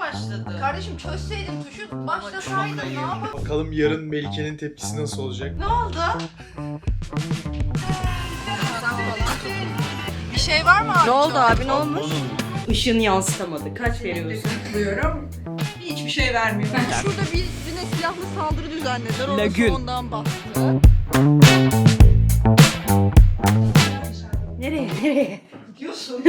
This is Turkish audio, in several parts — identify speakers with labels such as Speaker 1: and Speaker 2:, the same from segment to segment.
Speaker 1: başladı?
Speaker 2: Kardeşim çözseydin tuşu başlasaydın ne yapalım?
Speaker 3: Bakalım yarın Melike'nin tepkisi nasıl olacak?
Speaker 1: Ne oldu?
Speaker 2: Bir şey var mı abi?
Speaker 1: Ne oldu abi, ne olmuş?
Speaker 4: Işığını yansıtamadı. Kaç veriyorsun?
Speaker 2: Kutluyorum. Hiçbir şey vermiyor. Şurada birine silahlı saldırı düzenlediler. Orası
Speaker 4: Lagün.
Speaker 2: ondan bastı.
Speaker 4: Nereye?
Speaker 2: Gidiyorsun.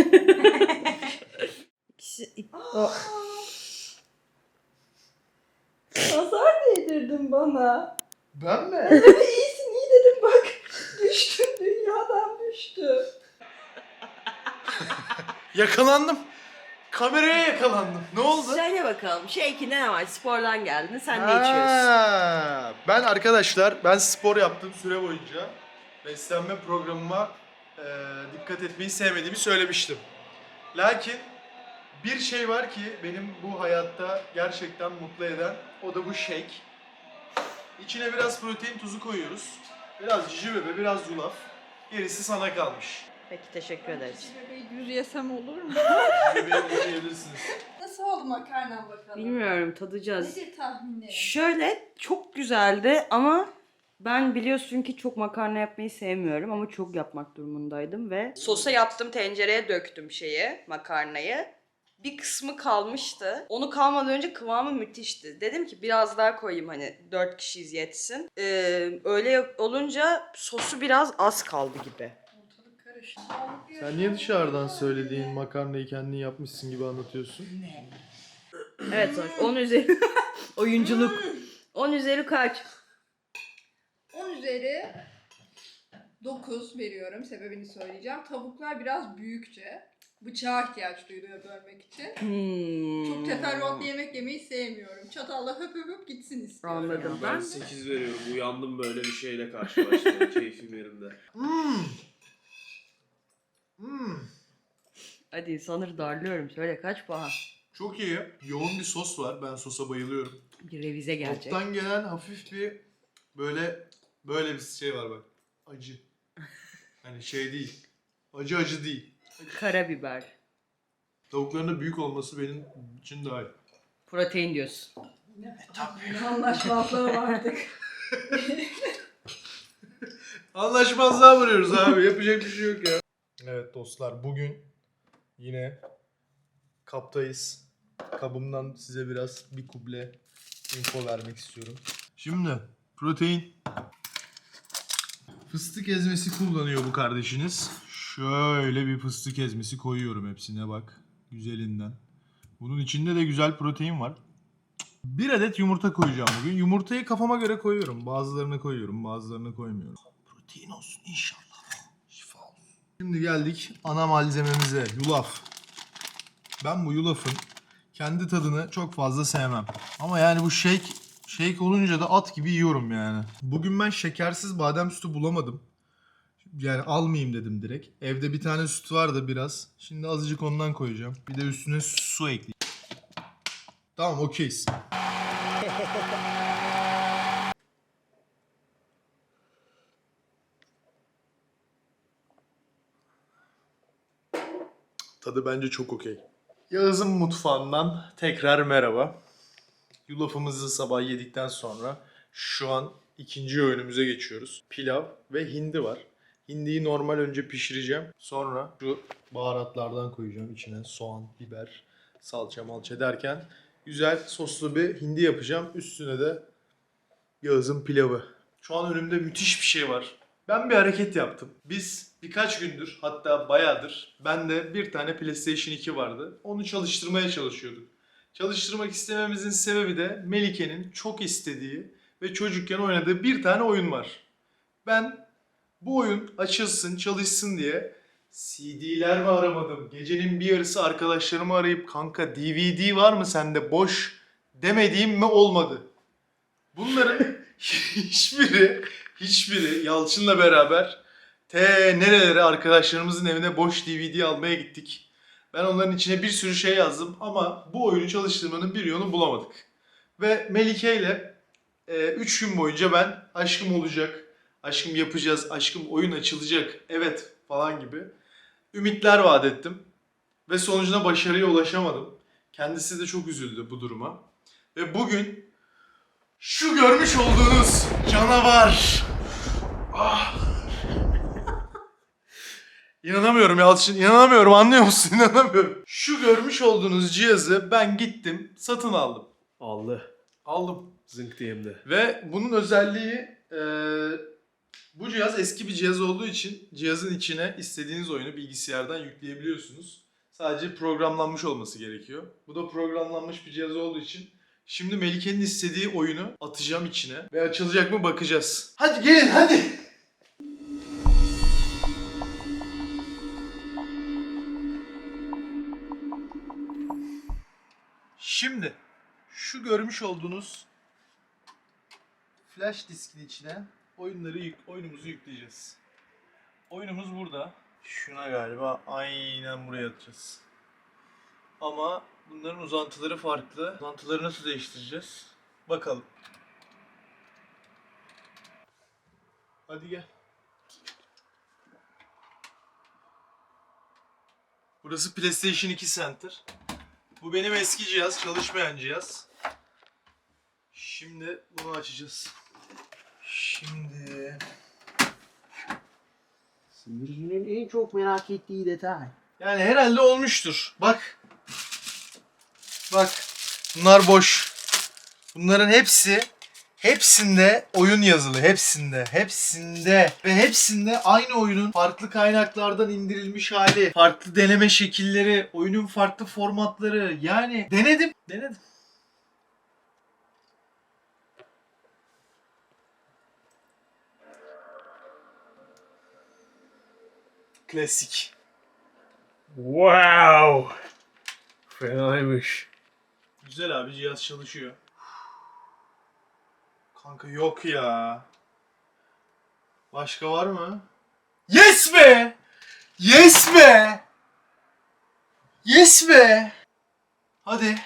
Speaker 4: Nazar değdirdin bana.
Speaker 3: Ben mi?
Speaker 4: İyisin, iyi dedim bak. Düştün, dünyadan düştün.
Speaker 3: Yakalandım. Kameraya yakalandım. Ne oldu?
Speaker 4: Söyle bakalım, Shake'inde ne var? Spordan geldin, sen ne içiyorsun?
Speaker 3: Ben arkadaşlar, ben spor yaptığım süre boyunca beslenme programıma dikkat etmeyi sevmediğimi söylemiştim. Lakin bir şey var ki benim bu hayatta gerçekten mutlu eden, o da bu shake. İçine biraz protein tuzu koyuyoruz. Biraz cici bebe, biraz yulaf. Gerisi sana kalmış.
Speaker 4: Peki, teşekkür ederiz.
Speaker 2: Bebeği düz yesem olur mu?
Speaker 3: Bebeği yiyebilirsiniz.
Speaker 2: Nasıl oldu makarnan bakalım?
Speaker 4: Bilmiyorum, tadacağız.
Speaker 2: Nedir tahminlerin?
Speaker 4: Şöyle, çok güzeldi ama ben biliyorsun ki çok makarna yapmayı sevmiyorum ama çok yapmak durumundaydım ve sosa yaptım, tencereye döktüm makarnayı. Bir kısmı kalmıştı. Onu kalmadan önce kıvamı müthişti. Dedim ki biraz daha koyayım, hani 4 kişiyiz yetsin. Öyle olunca sosu biraz az kaldı gibi.
Speaker 2: Ortalık karıştı.
Speaker 3: Sen niye dışarıdan söylediğin makarnayı kendin yapmışsın gibi anlatıyorsun?
Speaker 4: Evet, sonuç 10 üzeri oyunculuk. 10 üzeri kaç?
Speaker 2: 10 üzeri 9 veriyorum. Sebebini söyleyeceğim. Tavuklar biraz büyükçe. Bıçağa ihtiyaç duyuluyor bölmek için. Çok teferruatlı yemek yemeyi sevmiyorum. Çatalla höp höp höp gitsin istiyorum.
Speaker 4: Anladım.
Speaker 5: Ben 8 veriyorum. Uyandım böyle bir şeyle karşılaştım. Keyfim yerinde.
Speaker 4: Hadi sanır darlıyorum. Söyle, kaç puan?
Speaker 3: Çok iyi. Yoğun bir sos var. Ben sosa bayılıyorum.
Speaker 4: Bir revize gelecek.
Speaker 3: Toptan gelen hafif bir böyle bir şey var bak. Acı. Hani şey değil. Acı değil.
Speaker 4: Karabiber.
Speaker 3: Tavukların da büyük olması benim için daha iyi.
Speaker 4: Protein diyorsun.
Speaker 2: Anlaşmazlığı vardık.
Speaker 3: Anlaşmazlığa varıyoruz abi. Yapacak bir şey yok ya. Evet dostlar, bugün yine kaptayız. Kabımdan size biraz bir kuble info vermek istiyorum. Şimdi protein. Fıstık ezmesi kullanıyor bu kardeşiniz. Şöyle bir fıstık ezmesi koyuyorum hepsine bak. Güzelinden. Bunun içinde de güzel protein var. Bir adet yumurta koyacağım bugün. Yumurtayı kafama göre koyuyorum. Bazılarını koyuyorum, bazılarını koymuyorum. Protein olsun inşallah. Şifa olsun. Şimdi geldik ana malzememize. Yulaf. Ben bu yulafın kendi tadını çok fazla sevmem. Ama yani bu shake olunca da at gibi yiyorum yani. Bugün ben şekersiz badem sütü bulamadım. Yani almayayım dedim direkt. Evde bir tane süt var da biraz. Şimdi azıcık ondan koyacağım. Bir de üstüne su ekleyeyim. Tamam, okeyiz. Tadı bence çok okey. Yağız'ın mutfağından tekrar merhaba. Yulafımızı sabah yedikten sonra şu an ikinci öğünümüze geçiyoruz. Pilav ve hindi var. Hindiyi normal önce pişireceğim. Sonra şu baharatlardan koyacağım içine. Soğan, biber, salça malça derken güzel soslu bir hindi yapacağım. Üstüne de Yağız'ın pilavı. Şu an önümde müthiş bir şey var. Ben bir hareket yaptım. Biz birkaç gündür, hatta bayağıdır, bende bir tane PlayStation 2 vardı. Onu çalıştırmaya çalışıyorduk. Çalıştırmak istememizin sebebi de Melike'nin çok istediği ve çocukken oynadığı bir tane oyun var. Ben bu oyun açılsın, çalışsın diye CD'ler mi aramadım? Gecenin bir yarısı arkadaşlarımı arayıp kanka DVD var mı sende boş demediğim mi olmadı? Bunların hiçbiri Yalçın'la beraber nerelere arkadaşlarımızın evine boş DVD almaya gittik. Ben onların içine bir sürü şey yazdım ama bu oyunu çalıştırmanın bir yolunu bulamadık. Ve Melike ile 3 gün boyunca ben aşkım olacak, aşkım yapacağız, aşkım oyun açılacak, evet falan gibi ümitler vaat ettim. Ve sonucuna başarıya ulaşamadım. Kendisi de çok üzüldü bu duruma. Ve bugün şu görmüş olduğunuz canavar. Ah. İnanamıyorum Yalçın, inanamıyorum, anlıyor musun? İnanamıyorum. Şu görmüş olduğunuz cihazı ben gittim, satın aldım. Aldım.
Speaker 5: Zınk diyeyim.
Speaker 3: Ve bunun özelliği bu cihaz eski bir cihaz olduğu için cihazın içine istediğiniz oyunu bilgisayardan yükleyebiliyorsunuz. Sadece programlanmış olması gerekiyor. Bu da programlanmış bir cihaz olduğu için şimdi Melike'nin istediği oyunu atacağım içine ve açılacak mı bakacağız. Hadi gelin hadi. Şimdi şu görmüş olduğunuz flash diskin içine oyunumuzu yükleyeceğiz. Oyunumuz burada. Şuna galiba aynen buraya atacağız. Ama bunların uzantıları farklı. Uzantıları nasıl değiştireceğiz? Bakalım. Hadi gel. Burası PlayStation 2 Center. Bu benim eski cihaz, çalışmayan cihaz. Şimdi bunu açacağız. Şimdi...
Speaker 1: Seyircinin en çok merak ettiği detay.
Speaker 3: Yani herhalde olmuştur. Bak. Bak. Bunlar boş. Bunların hepsinde oyun yazılı. Hepsinde. Ve hepsinde aynı oyunun farklı kaynaklardan indirilmiş hali. Farklı deneme şekilleri. Oyunun farklı formatları. Yani denedim. Klasik.
Speaker 5: Wow. Fenaymış.
Speaker 3: Güzel abi, cihaz çalışıyor. Kanka yok ya. Başka var mı? Yes be! Yes be! Yes be! Hadi.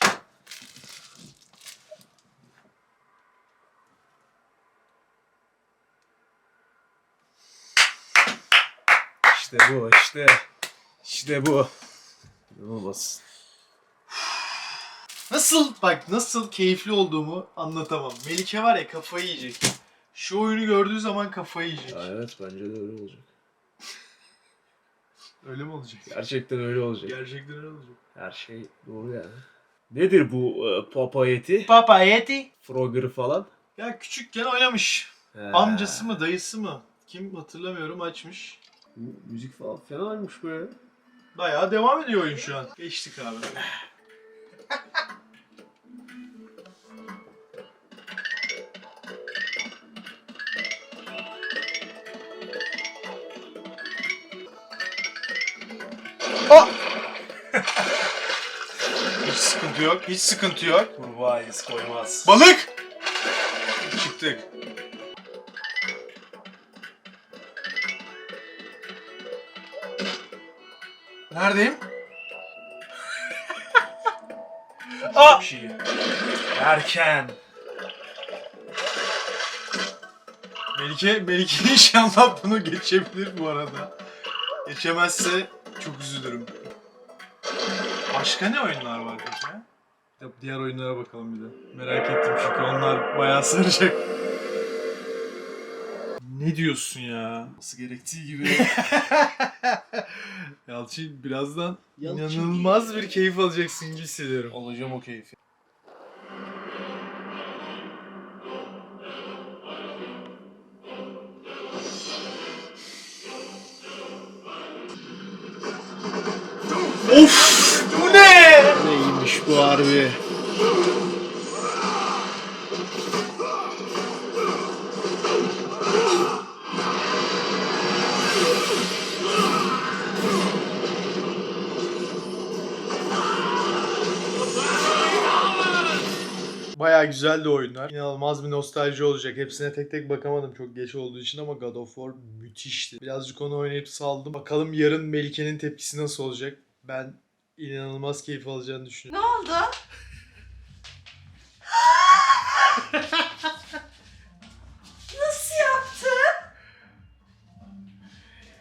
Speaker 5: İşte bu işte. İşte bu. İnanılmaz.
Speaker 3: Nasıl keyifli olduğumu anlatamam. Melike var ya, kafayı yiyecek. Şu oyunu gördüğü zaman kafayı yiyecek.
Speaker 5: Ya evet, bence de öyle olacak.
Speaker 3: Öyle mi olacak?
Speaker 5: Gerçekten öyle olacak.
Speaker 3: Gerçekten öyle olacak.
Speaker 5: Her şey doğru yani. Nedir bu Papa Yeti?
Speaker 3: Papa Yeti.
Speaker 5: Frogger falan?
Speaker 3: Ya küçükken oynamış.
Speaker 5: He.
Speaker 3: Amcası mı, dayısı mı? Kim hatırlamıyorum, açmış.
Speaker 5: Müzik falan fenaymış be.
Speaker 3: Bayağı devam ediyor oyun şu an. Geçtik abi. Oh! Hiç sıkıntı yok.
Speaker 5: Kurbağa iz koymaz.
Speaker 3: Balık! Çıktık. Neredeyim? Aa!
Speaker 5: Çok iyi. Erken.
Speaker 3: Melike inşallah bunu geçebilir bu arada. Geçemezse çok üzülürüm. Başka ne oyunlar var peki? Diğer oyunlara bakalım bir de. Merak ettim çünkü onlar bayağı saracak. Ne diyorsun ya? Nasıl gerektiği gibi. Yalçın, birazdan inanılmaz bir keyif alacaksın gibi hissediyorum.
Speaker 5: Alacağım o keyfi.
Speaker 3: Of! Bu ne?
Speaker 5: Neymiş bu harbi?
Speaker 3: Bayağı güzeldi oyunlar. İnanılmaz bir nostalji olacak. Hepsine tek tek bakamadım çok geç olduğu için ama God of War müthişti. Birazcık onu oynayıp saldım. Bakalım yarın Melike'nin tepkisi nasıl olacak? Ben inanılmaz keyif alacağını düşünüyorum.
Speaker 4: Ne oldu? Nasıl yaptın?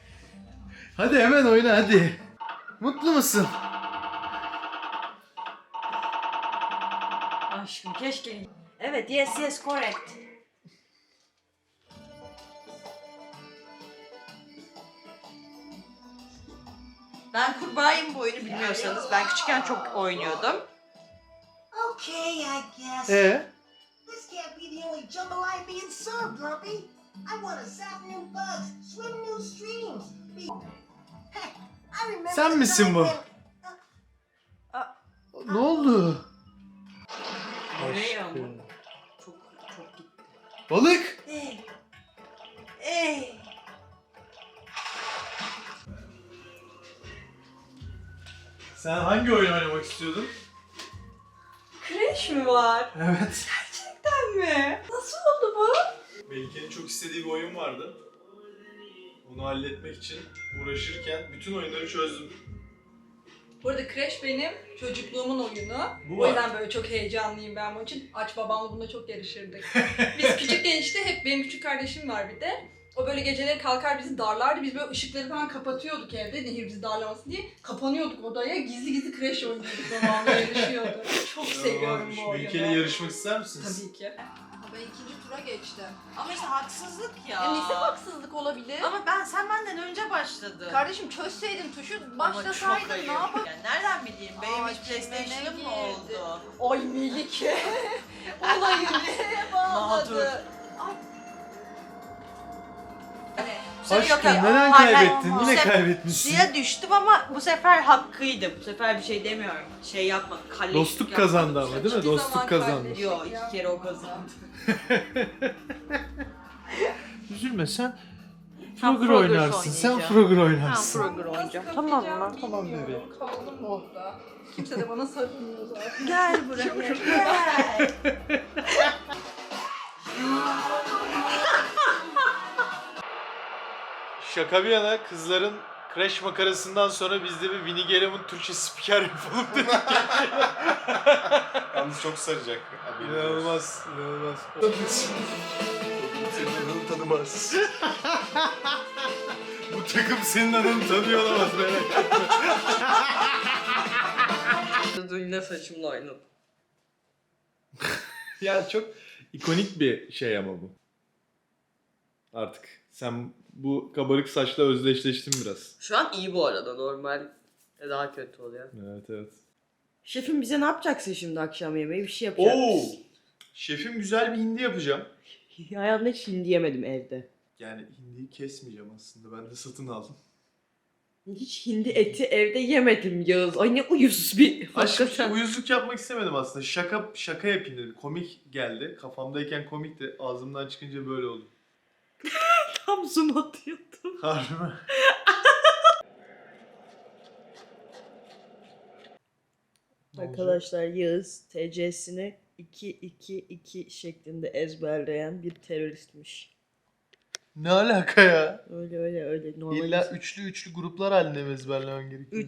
Speaker 3: Hadi hemen oyna hadi. Mutlu musun?
Speaker 4: aşkım keşke. Evet, yes correct. Ben kurbağayım bu oyunu bilmiyorsanız. Ben küçükken çok oynuyordum.
Speaker 6: Okay, I guess. This can't be the only jambalaya being served, Grumpy. I want to zap new bugs, swim new streams. Hey, I remember
Speaker 3: Sen
Speaker 6: the
Speaker 3: misin
Speaker 6: time
Speaker 3: bu?
Speaker 6: when-
Speaker 3: Ne oldu?
Speaker 4: Nereye ama?
Speaker 3: Aşkım.
Speaker 4: Çok gitti.
Speaker 3: Balık!
Speaker 4: Ey.
Speaker 3: Sen hangi oyun oynamak istiyordun?
Speaker 4: Crash mi var?
Speaker 3: Evet.
Speaker 4: Gerçekten mi? Nasıl oldu bu?
Speaker 3: Melike'nin çok istediği bir oyun vardı. Bunu halletmek için uğraşırken bütün oyunları çözdüm.
Speaker 2: Bu arada Crash benim çocukluğumun oyunu.
Speaker 3: Bu
Speaker 2: O
Speaker 3: var.
Speaker 2: yüzden böyle çok heyecanlıyım ben bunun için. Aç babamla bunda çok yarışırdık. Biz küçükken işte hep benim küçük kardeşim var bir de. O böyle geceleri kalkar bizi darlardı. Biz böyle ışıkları falan kapatıyorduk evde Nehir bizi darlamasın diye. Kapanıyorduk odaya. Gizli gizli Crash oynuyorduk babamla yarışıyorduk. Çok seviyorum bu oyunu.
Speaker 3: Melike'yle yarışmak ister misiniz?
Speaker 2: Tabii ki. Ben ikinci tura geçtim.
Speaker 4: Ama işte haksızlık ya.
Speaker 2: Neyse haksızlık olabilir.
Speaker 4: Ama sen benden önce başladın.
Speaker 2: Kardeşim çözseydin tuşu
Speaker 4: Ama çok
Speaker 2: başlasaydın
Speaker 4: ayıp.
Speaker 2: ne yapardın?
Speaker 4: Ya nereden bileyim? Benim
Speaker 2: Aa,
Speaker 4: hiç PlayStation'ım
Speaker 2: çimene
Speaker 4: mı
Speaker 2: girdi.
Speaker 4: oldu?
Speaker 2: Ay Melike. Olayı neye bağladı? Ay.
Speaker 3: Aşkım neden
Speaker 4: Hayır,
Speaker 3: kaybettin?
Speaker 4: hayır.
Speaker 3: Yine
Speaker 4: Bu sefer
Speaker 3: kaybetmişsin.
Speaker 4: Suya düştüm ama bu sefer hakkıydı. Bu sefer bir şey demiyorum. Şey yapma. Kalleşlik
Speaker 3: Dostluk
Speaker 4: yapmadım.
Speaker 3: kazandı ama değil mi?
Speaker 2: Hiçbir
Speaker 3: Dostluk
Speaker 2: zaman
Speaker 3: kazandı.
Speaker 2: kardeşim
Speaker 4: Yo, 2 kere o kazandı.
Speaker 3: Üzülme sen
Speaker 4: Sen
Speaker 3: Frogger
Speaker 4: Frogger
Speaker 3: oynarsın. Sen
Speaker 4: oynayacağım.
Speaker 3: Frogger
Speaker 4: Tamam,
Speaker 3: oynarsın.
Speaker 4: Frogger oynayacağım.
Speaker 2: Nasıl
Speaker 4: Tamam
Speaker 2: kapayacağımı
Speaker 4: mı?
Speaker 3: Tamam
Speaker 2: bilmiyorum.
Speaker 3: bebeğim.
Speaker 2: Kaldım burada. Kimse de bana sarılmıyor zaten.
Speaker 4: Gel buraya. Gel.
Speaker 3: Şaka bir yana kızların Crash makarasından sonra biz de bir Winnie Gelem'in Türkçe spiker yapalım dedik.
Speaker 7: Yalnız çok saracak.
Speaker 3: İnanılmaz, inanılmaz.
Speaker 7: Senin adını tanımaz.
Speaker 3: Bu takım senin adını tanıyor olamaz merak etme.
Speaker 4: Dün ne saçımla oynadım.
Speaker 3: Ya çok ikonik bir şey ama bu. Artık sen bu kabarık saçla özdeşleştin biraz.
Speaker 4: Şu an iyi bu arada, normal daha kötü oluyor.
Speaker 3: Evet evet.
Speaker 4: Şefim bize ne yapacaksın şimdi akşam yemeği? Bir şey yapacak
Speaker 3: Oo!
Speaker 4: mısın?
Speaker 3: Şefim güzel bir hindi yapacağım.
Speaker 4: Hayatımda hiç hindi yemedim evde.
Speaker 3: Yani hindiyi kesmeyeceğim aslında. Ben de satın aldım.
Speaker 4: Hiç hindi eti evde yemedim Yağız. Ay ne uyuz bir.
Speaker 3: Aşkım uyuzluk yapmak istemedim aslında. Şaka yapayım dedim. Komik geldi. Kafamdayken komikti. Ağzımdan çıkınca böyle oldu.
Speaker 4: Tam zoom atıyordum.
Speaker 3: Harbi mi?
Speaker 4: Arkadaşlar Yağız TC'sini 2-2-2 şeklinde ezberleyen bir teröristmiş.
Speaker 3: Ne alaka ya?
Speaker 4: Öyle normal.
Speaker 3: İlla üçlü gruplar halinde mi ezberlemen gerekiyor?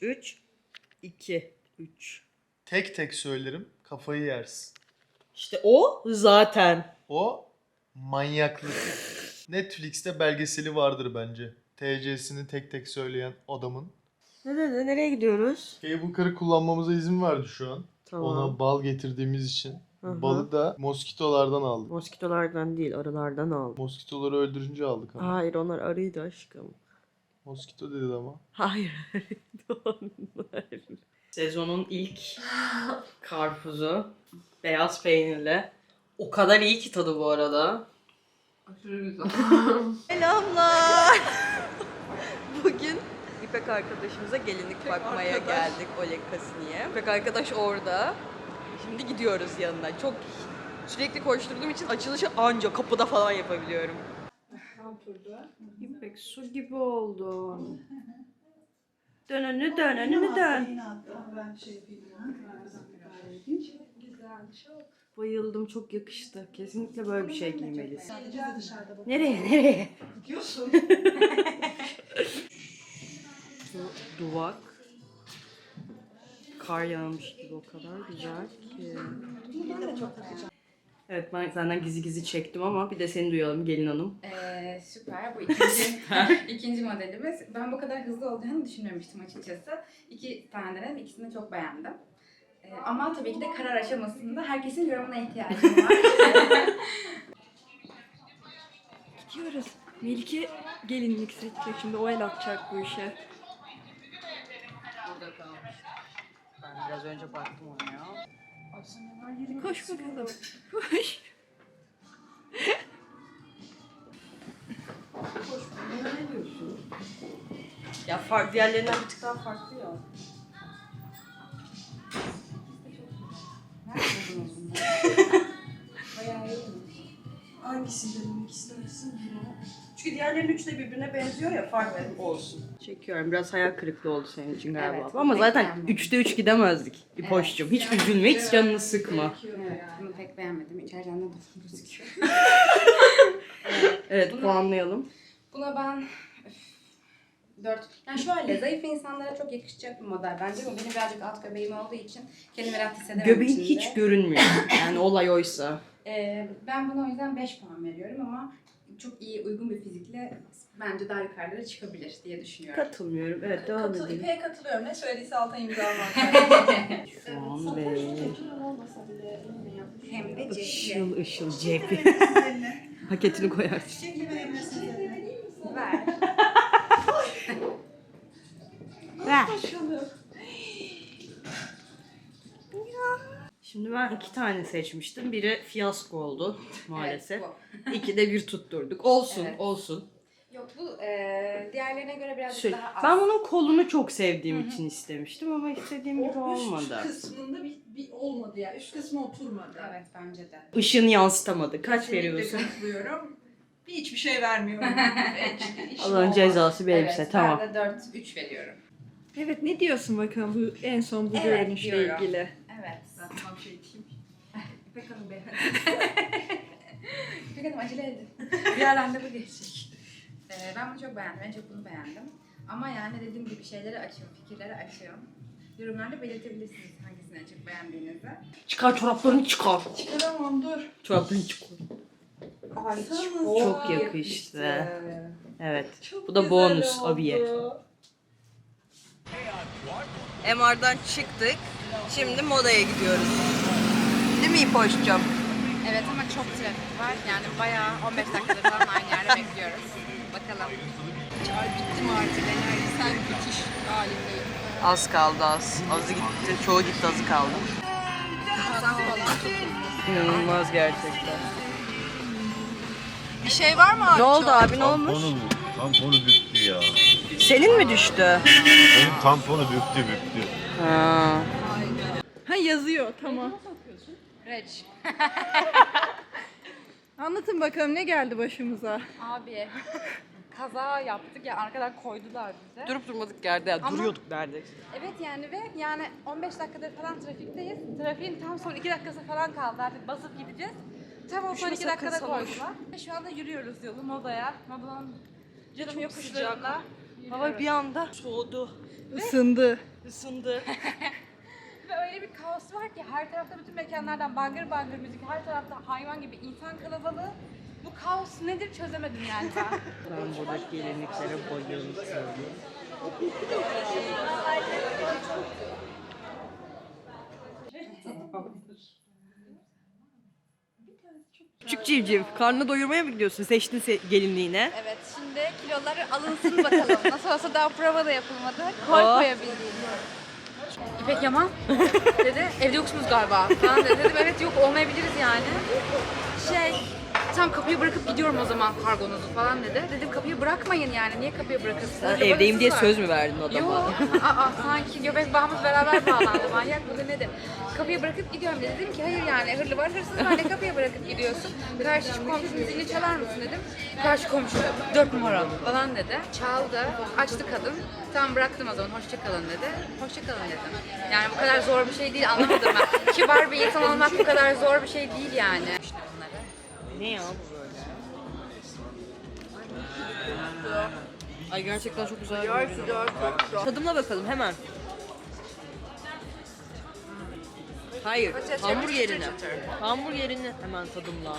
Speaker 4: 3-3-3-2-3.
Speaker 3: Tek tek söylerim. Kafayı yersin.
Speaker 4: İşte o zaten.
Speaker 3: O manyaklık. Netflix'te belgeseli vardır bence. TC'sini tek tek söyleyen adamın.
Speaker 4: Ne dedi? Nereye gidiyoruz?
Speaker 3: Cable car'ı kullanmamıza izin verdi şu an.
Speaker 4: Tamam.
Speaker 3: Ona bal getirdiğimiz için.
Speaker 4: Hı hı.
Speaker 3: Balı da moskitolardan aldık.
Speaker 4: Moskitolardan değil, arılardan aldım.
Speaker 3: Moskitoları öldürünce aldık ama.
Speaker 4: Hayır, onlar arıydı aşkım.
Speaker 3: Moskito dedi ama.
Speaker 4: Hayır, arıydı onlar. Sezonun ilk karpuzu beyaz peynirle. O kadar iyi ki tadı bu arada.
Speaker 2: Aşırı güzel.
Speaker 4: Selamlar. Bugün İpek arkadaşımıza gelinlik bakmaya
Speaker 2: arkadaş.
Speaker 4: geldik Oleg Kasini'ye. İpek arkadaş orada. Şimdi gidiyoruz yanına. Çok sürekli koşturduğum için açılışı anca kapıda falan yapabiliyorum.
Speaker 2: Tam turda.
Speaker 4: İpek su gibi oldun. Dönünü dön.
Speaker 2: Ben şey yapayım. Güzel, çok.
Speaker 4: Bayıldım, çok yakıştı. Kesinlikle böyle bir şey giymelisin. Nereye?
Speaker 2: Gidiyorsun.
Speaker 4: Duvak. Kar yağmış gibi, o kadar güzel ki.
Speaker 2: Ben de çok takacağım.
Speaker 4: Evet, ben senden gizli çektim ama bir de seni duyalım gelin hanım.
Speaker 8: Süper. Bu ikinci modelimiz. Ben bu kadar hızlı olacağını düşünmemiştim açıkçası. 2 tane denedim. İkisini de çok beğendim. Ama tabii ki de karar aşamasında herkesin yorumuna ihtiyacım var.
Speaker 9: Gidiyoruz. Melike gelinlik seçecek şimdi, o el atacak bu işe.
Speaker 4: Burada kalmış. Ben biraz önce baktım ona ya.
Speaker 9: Koş bakalım. Koş.
Speaker 4: Ne diyorsun? Ya farklı, diğerlerinden bir tık daha farklı ya.
Speaker 8: Nerede buldunuz bunları? Bayağı iyi.
Speaker 4: Hangisi denemek istersin? Çünkü diğerlerinin üçü de birbirine benziyor ya, farklı olsun. Çekiyorum. Biraz hayal kırıklığı oldu senin için galiba.
Speaker 8: Evet,
Speaker 4: Ama
Speaker 8: pek
Speaker 4: zaten
Speaker 8: beğenmedim.
Speaker 4: 3'te 3 gidemezdik. İpoş'cum. Hiç üzülme, hiç canını sıkma.
Speaker 8: Evet, bunu pek beğenmedim. İçeriden de bozuk gözüküyor.
Speaker 4: Evet, puanlayalım.
Speaker 8: Buna ben 4. Yani şöyle, zayıf insanlara çok yakışacak bir model bence. Bu benim birazcık alt göbeğim olduğu için kendimi rahat hissedemem
Speaker 4: Göbeğin
Speaker 8: içinde.
Speaker 4: hiç görünmüyor. Yani olay oysa.
Speaker 8: Ben buna o yüzden 5 puan veriyorum ama çok iyi, uygun bir fizikle bence daha yukarılara çıkabilir diye düşünüyorum.
Speaker 4: Katılmıyorum. Evet, devam edelim.
Speaker 2: İpek'e katılıyorum. Ne söylediyse altına imza almak.
Speaker 4: Şu an ve
Speaker 8: Hem de cepli.
Speaker 4: ışıl ışıl cebi. Paketini koyarsın.
Speaker 8: Ver.
Speaker 4: Ver. Şimdi ben 2 tane seçmiştim. Biri fiyasko oldu maalesef.
Speaker 8: Evet,
Speaker 4: 2'de 1 tutturduk. Olsun,
Speaker 8: Evet.
Speaker 4: olsun.
Speaker 8: Yok bu diğerlerine göre birazcık
Speaker 4: Şöyle,
Speaker 8: daha az.
Speaker 4: ben bunun kolunu çok sevdiğim için istemiştim ama istediğim gibi
Speaker 2: O üst
Speaker 4: olmadı.
Speaker 2: kısmında bir olmadı ya. Üst kısmı oturmadı.
Speaker 8: Evet bence de.
Speaker 4: Işığını yansıtamadı. Kaç
Speaker 2: Kesinlikle
Speaker 4: veriyorsun?
Speaker 2: katılıyorum. Hiçbir şey vermiyorum.
Speaker 4: Allah'ın cezası bir elbise.
Speaker 8: Evet,
Speaker 4: Tamam.
Speaker 8: ben de 4-3 veriyorum.
Speaker 9: Evet, ne diyorsun bakalım bu en son bu
Speaker 8: Evet,
Speaker 9: görünüşle
Speaker 8: diyorum.
Speaker 9: ilgili?
Speaker 8: Evet.
Speaker 2: Tam şey diyeyim.
Speaker 8: İpek Hanım beğendi. İpek Hanım acele edin. Bir randevu geçecek. Ben bunu çok beğendim. En çok bunu beğendim. Ama yani dediğim gibi şeyleri açıyorum, fikirleri açıyorum. Yorumlarda belirtebilirsiniz hangisini en çok beğendiğinizi.
Speaker 4: Çıkar çoraplarını çıkar.
Speaker 2: Çıkaramam dur.
Speaker 4: Çoraplarını çıkar.
Speaker 8: Ay
Speaker 4: Çok yakıştı. Evet.
Speaker 2: Çok
Speaker 4: Bu da
Speaker 2: güzel
Speaker 4: bonus
Speaker 2: oldu.
Speaker 4: abiye. MR'dan çıktık. Şimdi modaya gidiyoruz. Değil mi İpoş'cum?
Speaker 8: Evet ama çok trafik var. Yani bayağı 15 dakikadır falan aynı yerde bekliyoruz. Bakalım.
Speaker 2: Bittim artık enerji. Sen bitiş halindeyim.
Speaker 4: Az kaldı az. Azı gitti. Çoğu gitti, azı kaldı.
Speaker 8: Hasan falan çok iyi.
Speaker 4: İnanılmaz gerçekten.
Speaker 2: Bir şey var mı abi?
Speaker 4: Ne oldu abi, ne olmuş?
Speaker 7: Tamponu büktü ya.
Speaker 4: Senin mi düştü?
Speaker 7: Benim tamponu büktü.
Speaker 4: Ha.
Speaker 9: Ha, yazıyor, tamam.
Speaker 8: Reç.
Speaker 9: Anlatın bakalım, ne geldi başımıza?
Speaker 8: Abi kaza yaptık ya, arkadan koydular bize.
Speaker 4: Durup durmadık yerde ya.
Speaker 8: Ama-
Speaker 4: Duruyorduk neredeyse.
Speaker 8: Evet yani ve yani 15 dakikadır falan trafikteyiz. Trafiğin tam son 2 dakikası falan kaldı, artık basıp gideceğiz. Tam o son 2 dakikada koydular. Ve şu anda yürüyoruz yolu Moda'ya. Moda'nın canım yokuşlarında.
Speaker 4: Hava bir anda soğudu.
Speaker 9: Isındı.
Speaker 4: Isındı.
Speaker 8: Ve öyle bir kaos var ki her tarafta bütün mekanlardan bangır bangır müzik, her tarafta hayvan gibi insan kalabalığı. Bu kaos nedir çözemedim yani ben.
Speaker 4: Ben buradaki gelinliklere bayıldım. Küçük civciv, karnını doyurmaya mı gidiyorsun? Seçtin gelinliğine.
Speaker 8: Evet, şimdi kiloları alınsın bakalım. Nasıl olsa daha prova da yapılmadı. Koy
Speaker 4: Oh.
Speaker 8: koyabildiğim. İpek Yaman dedi, evde yoksunuz galiba falan dedi. Dedim evet yok olmayabiliriz yani. Tam kapıyı bırakıp gidiyorum o zaman kargonuzu falan dedi. Dedim kapıyı bırakmayın yani, niye kapıyı bırakırsınız?
Speaker 4: Sen
Speaker 8: Acaba
Speaker 4: evdeyim diye
Speaker 8: var.
Speaker 4: söz mü verdin adama?
Speaker 8: Yok, sanki göbek bağımız beraber bağlandı. Manyak mıdır nedir? Kapıyı bırakıp gidiyorum dedi. Dedim ki hayır yani hırlı var hırsız var, ne kapıya bırakıp gidiyorsun? Karşı komşunun zilini çalar mısın dedim. Karşı komşu 4 numara falan dedi. Çaldı, açtı kadın. Tamam bıraktım o zaman, hoşça kalın dedi. Hoşça kalın dedim. Yani bu kadar zor bir şey değil, anlamadım ben. Kibar bir insan olmak bu kadar zor bir şey değil yani. İşte bunları.
Speaker 4: Ne ya bu böyle? Ay gerçekten çok güzel görünüyor. Tadımla bakalım hemen. Hayır, hamburgerini. Hamburgerini hemen tadımla.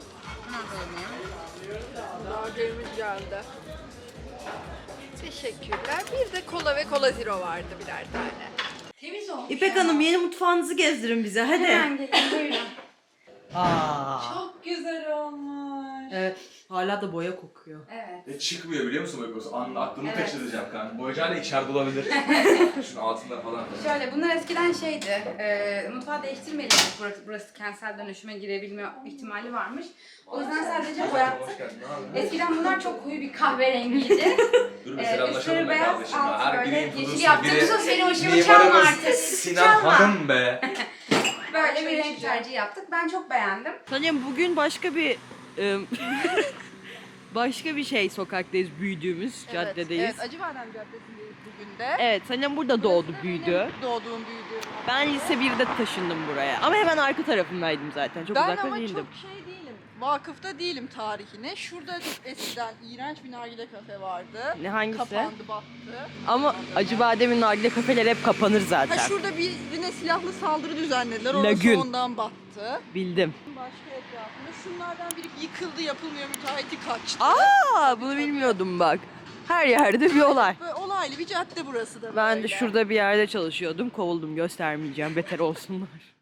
Speaker 2: Burgerimiz geldi. Teşekkürler. Bir de kola ve kola zero vardı birer tane. Temiz olmuş.
Speaker 4: İpek
Speaker 2: ama.
Speaker 4: Hanım yeni mutfağınızı gezdirin bize hadi.
Speaker 8: Hemen gelin buyurun.
Speaker 4: Aa.
Speaker 2: Çok güzel olmuş.
Speaker 4: Evet. Hala da boya kokuyor.
Speaker 2: Evet.
Speaker 10: Çıkmıyor biliyor musun Beko? Aklımı
Speaker 2: Evet.
Speaker 10: kaçıracağım kanka. Boyacağıyla içeride olabilir. Şunun altında falan.
Speaker 8: Şöyle bunlar eskiden şeydi, mutfağı değiştirmeyelim, burası kentsel dönüşüme girebilme ihtimali varmış. O yüzden sadece boyattık.
Speaker 10: Hoş geldin. Ne haber?
Speaker 8: Eskiden bunlar çok koyu bir kahverengiydi.
Speaker 10: Dur bir selamlaşalım be
Speaker 8: beyaz,
Speaker 10: kardeşim.
Speaker 8: alt
Speaker 10: Her
Speaker 8: böyle
Speaker 10: bileğin
Speaker 8: yeşil
Speaker 10: fıdısı
Speaker 8: yaptığımız o seni hoşuma çalma
Speaker 10: mimarımız
Speaker 8: artık.
Speaker 10: Sinan
Speaker 8: Çalma.
Speaker 10: Hanım be.
Speaker 8: Böyle bir renk tercihi yaptık. Ben çok beğendim.
Speaker 4: Sanırım bugün başka bir başka bir şey sokaktayız, büyüdüğümüz caddedeyiz.
Speaker 2: Evet, Acıbadem Caddesi'ndeyiz bugün de.
Speaker 4: Evet, sanırım burada doğdu, büyüdü.
Speaker 2: Doğduğum, büyüdüğüm.
Speaker 4: Ben lise 1'de taşındım buraya. Ama hemen arka tarafındaydım zaten. Çok
Speaker 2: Ben
Speaker 4: uzakta
Speaker 2: ama
Speaker 4: değildim.
Speaker 2: çok şey değilim. Vakıfta değilim tarihine. Şurada eskiden iğrenç bir nargile kafe vardı.
Speaker 4: Ne hangisi?
Speaker 2: Kapandı, battı.
Speaker 4: Ama Acıbadem'in nargile kafeleri hep kapanır zaten.
Speaker 2: Ha şurada birine silahlı saldırı düzenlediler. Orası
Speaker 4: Lagün.
Speaker 2: ondan battı.
Speaker 4: Bildim.
Speaker 2: Başka etrafında şunlardan biri yıkıldı, yapılmıyor, müteahhiti kaçtı.
Speaker 4: Aa, bunu bilmiyordum bak. Her yerde bir olay.
Speaker 2: Böyle olaylı bir cadde burası da
Speaker 4: Ben de
Speaker 2: böyle.
Speaker 4: şurada bir yerde çalışıyordum. Kovuldum, göstermeyeceğim. Beter olsunlar.